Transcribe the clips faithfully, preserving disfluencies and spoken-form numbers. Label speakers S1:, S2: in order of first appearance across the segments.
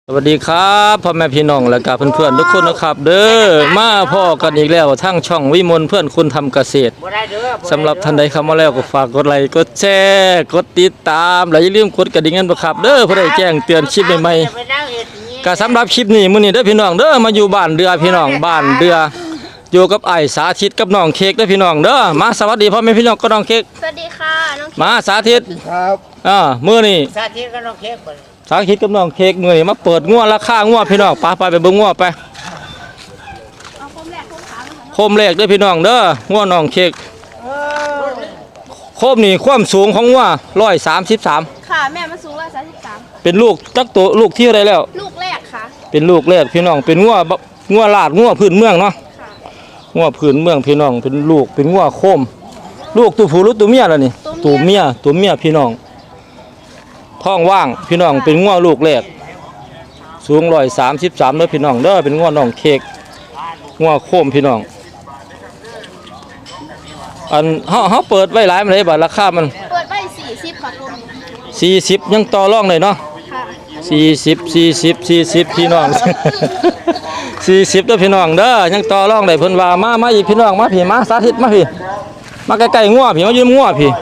S1: สวัสดีครับพ่อแม่พี่น้องและกับเพื่อนๆทุกคนนะครับเด้อมาพ่อกันอีกแล้วทั้งช่องวิมลเพื่อนคุณทำเกษตรสำหรับท่านใดเข้ามาแล้วก็ฝากกดไลค์กดแชร์กดติดตามและอย่าลืมกดกระดิ่งกันด้วยครับเด้อเพื่อได้แจ้งเตือนคลิปใหม่ๆก็สำหรับคลิปนี้มื้อนี้เด้อพี่น้องเด้อมาอยู่บ้านเดือพี่น้องบ้านเดืออยู่กับไอ้สาธิตกับน้องเค้กเด้อพี่น้องเด้อมาสวัสดีพ่อแม่พี่น้องกับน้องเค้ก
S2: สวัสดีค่ะน้อง
S1: มาสาธิต
S3: ครับ
S1: อ่ามื้อนี้
S2: สาธิตกับน้องเค้ก
S1: สาธิตกับน้องเค้กมื้อนี้มาเปิดงัวราคางัวพี่น้องไปไปไปเบิ่งงัวไป
S2: เอาคมแรกคมขาเลยค่ะ
S1: โคมแรกเด้อพี่น้องเด้องัวน้องเค้กโคมนี่ความสูงของงัวร้อยสามสิบสาม
S2: ค่ะแม่มันสูงร้อยสามสิบสาม
S1: เป็นลูกจักตัวลูกที่อะไรแล้ว
S2: ลูกแรกค่ะ
S1: เป็นลูกแรกพี่น้องเป็นงัวงัวลาดงัวพื้นเมืองเนาะ
S2: ค่ะ
S1: งัวพื้นเมืองพี่น้องเป็นลูกเป็นงัวโคมลูกตัวผู้หรือตัวเมียล่ะนี่ตัวเมียตัวเมียพี่น้องท้องว่างพี่น้องเป็นงัวลูกแรกสูงร้อยสามสิบสามเด้อพี่น้องเด้อเป็นงัวน้องเค้กงัวโคมพี่น้องอันเฮาเฮาเปิดไว้หลายมันได้บัดราคามัน
S2: เปิดไว้สี่สิบค่ะคม
S1: สี่สิบยังต่อรองเลยเนาะ
S2: ค่ะ
S1: สี่สิบสี่สิบสี่สิบพี่น้อง สี่สิบเด้อพี่น้องเด้อยังต่อรองได้เพิ่นว่ามามาอีกพี่น้องมาพี่มาสาธิตมาพี่มาใกล้ๆงัวพี่มายืมงัวพี่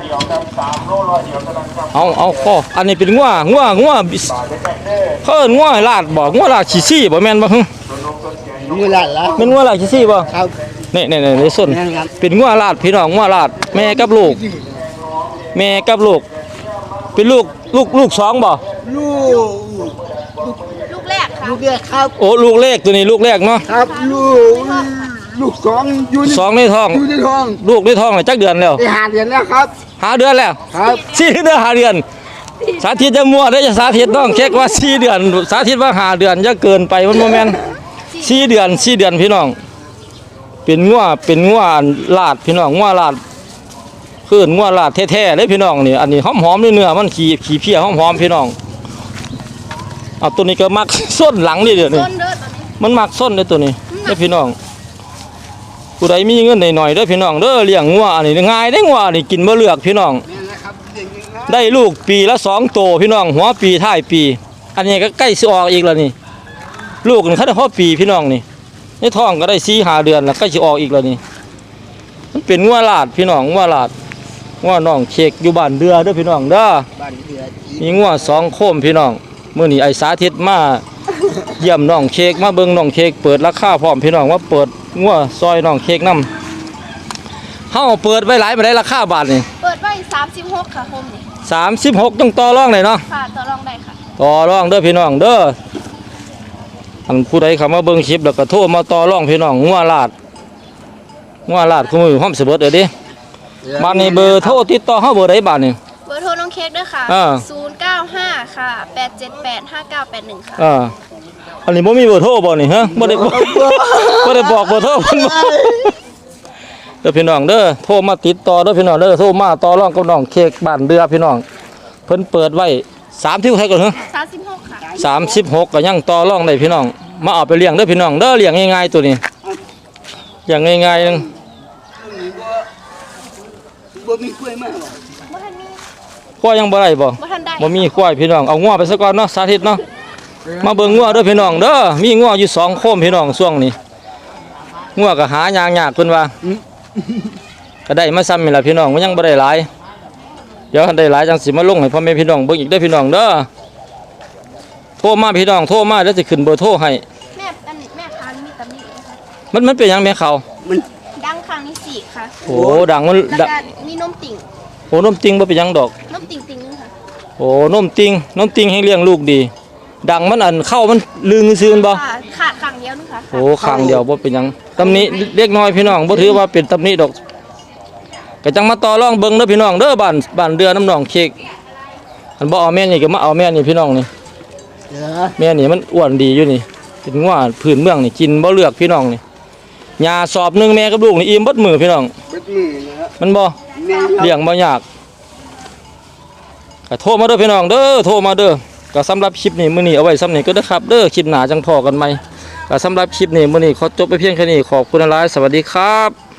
S1: เอาเอาข้ออันนี้เป็นงัวงัวงัวเพิ่นงัวลาดบ่งัวลาดขี้ซี่บ่แม่นบ่ฮึ
S3: มือหลานละ
S1: เป็นงัวลาดขี้ซี่บ่
S3: ครับ
S1: นี่ๆๆในส้นเป็นงัวลาดพี่น้องงัวลาดแม่กับลูกแม่กับลูกเป็นลูกลูกลูกสองบ่
S3: ลูก
S2: ลูกแรกค่ะ
S3: ลูกแรกครับ
S1: โอ้ลูกแรกตัวนี้ลูกแรกเนาะ
S3: ครับลูกลูกสองอยู่
S1: สองในท้อง
S3: อยู่ในท้อง
S1: ลูกในท้องจักเดือนแล้ว
S3: ได้หาเดือนแล้วครับ
S1: หาเดือนแล้ว
S3: ครับ
S1: สี่เดือนหาเดือนสาธิตจะมั่วได้จะสาธิตต้องเช็คว่าสี่เดือนสาธิตว่าหาเดือนจะเกินไปมันโมเมนต์สี่เดือนสี่เดือนพี่น้องเป็นงัวเป็นงัวลาดพี่น้องงัวลาดคืองัวลาดแท้ๆเลยพี่น้องนี่อันนี้หอมๆเนื้อมันขี้ขี้เพี้ยหอมๆพี่น้องเอาตัวนี้ก็มักส้นหลังนี่เดี๋ยวนี้
S2: ต้นเด้อตอนนี้
S1: มันมักส้นเลยตัวนี้เด้อพี่น้องผู้ใดมีเงินหน่อยๆเด้อพี่น้องเด้อเลี้ยงงัวอันนี้ง่ายได้งัวนี่กินบ่เลือกพี่น้องได้ลูกปีละสองโตพี่น้องหัวปีท้ายปีอันนี้ก็ใกล้สิออกอีกแล้วนี่ลูกนี่เขาได้พอปีพี่น้องนี่ในท้องก็ได้สี่ห้าเดือนแล้วใกล้สิออกอีกแล้วนี่มันเป็นงัวลาดพี่น้องงัวลาดงัวน้องเค้กอยู่บ้านเดือเด้อพี่น้องเด้อมีงัวสองโคมพี่น้องมื้อนี้ไอ้สาธิตมาเยี่ยมน้องเค้กมาเบิ่งน้องเค้กเปิดราคาพร้อมพี่น้องว่าเปิดงัวซอยน้องเค้กนำเฮาเปิดไว้หลายบ่ได้ราคาบาทนี่
S2: เปิดไว้สามสิบหกค่ะคมนี่
S1: สามสิบหกต้องต่อรองเลยเนาะ
S2: ค่ะต่อรองได้ค่ะ
S1: ต่อรองเด้อพี่น้องเด้ออันผู้ใดเข้ามาเบิ่งคลิปแล้วก็โทรมาต่อรองพี่น้องงัวลาดงัวลาดคู่มือพร้อมสิเบิดเด้อดิบ้านนี้เบอร์โทรติดต่อเฮาเบอร์ใดบาทนี่
S2: เบอร์โทรน้องเค้กด้วยค่ะ
S1: อ่า
S2: ศูนย์เก้าห้าค่ะแปดเจ็ดแปดห้าเก้าแปดหนึ่งค่ะ
S1: อ่าอันนี้บ่มีเบอร์โทรบ่นี่ฮะบ่ได้บอกบ่ได้บอกเบอร์โทรเพิ่นบ่เด้อพี่น้องเด้อโทรมาติดต่อเด้อพี่น้องเด้อโทรมาต่อรองกับน้องเค้กบ้านเดือพี่น้องเพิ่นเปิดไว้สามสิบเท่าก่อนเหรอ
S2: สามสิบหกค่ะ
S1: สามสิบหกก็ยังต่อรองได้พี่น้องมาเอาไปเลี้ยงเด้อพี่น้องเด้อเลี้ยงง่ายๆตัวนี้อย่างง่ายๆนึง
S3: บ่มีกล้วยมากหรอ
S2: บ่ทันมี
S1: ควายยังบ่ได้บ่
S2: บ่ทันได้
S1: บ่มีควายพี่น้องเอางัวไปซะก่อนเนาะสาธิตเนาะมาเบิ่งงัวเด้อพี่น้องเด้อมีงัวอยู่สองโคมพี่น้องช่วงนี้งัวก็หายากๆเพิ่นว่าก็ได้มาซ้ำนี่ล่ะพี่น้องมันยังบ่ได้หลายเดี๋ยวได้หลายจังสิมาลงให้พ่อแม่พี่น้องเบิ่งอีกเด้อพี่น้องเด้อโทรมาพี่น้องโทรมาแล้วสิขึ้นเบอร์โทรให้
S2: แม่อันนี้แม่ค้ามีตำหนินะคะ
S1: มันมันเป็นหยังแม่เขา
S3: มัน
S2: ดังครั้งนี้สี่ค่ะ
S1: โอ้ดังมัน
S2: แล้วก็มีนมติ่ง
S1: โอ้นมติงบ่เป็นหยังดอก
S2: นมติ่งติ่งนึงค่ะ
S1: โอ้นมติงนมติงให้เลี้ยงลูกดีดังมันอันเข้ามันลืงซื่อๆบ่
S2: ขาดครั้งเดียวนึงค่ะ
S1: โอ้ครั้งเดียวบ่เป็นหยังตำหนิเล็กน้อยพี่น้องบ่ถือว่าเป็นตำหนิดอกก็จังมาต่อรองเบิ่งเด้อพี่น้องเด้อบ้านบ้านเดือน้ำน้องเค้กอันบ่เอาแม่นี่ก็มาเอาแม่นี่พี่น้องนี่แม่นี่มันอ้วนดีอยู่นี่เป็นงัวพื้นเมืองนี่กินบ่เลือกพี่น้องนี่ยาสอบนึงแม่กับลูกนี่อิ่มเบิดมื้อพี่น้อง
S3: เบิดมือนะฮะ
S1: มันบ่เลี้ยงบ่ยากก็โทรมาเด้อพี่น้องเด้อโทรมาเด้อก็สำหรับคลิปนี้มื้อนี้เอาไว้ซ้ำนี้ก็เด้อครับเด้อคลิปหน้าจังพอกันใหม่ก็สำหรับคลิปนี้มื้อนี้ขอจบไปเพียงแค่นี้ขอบคุณหลายสวัสดีครับ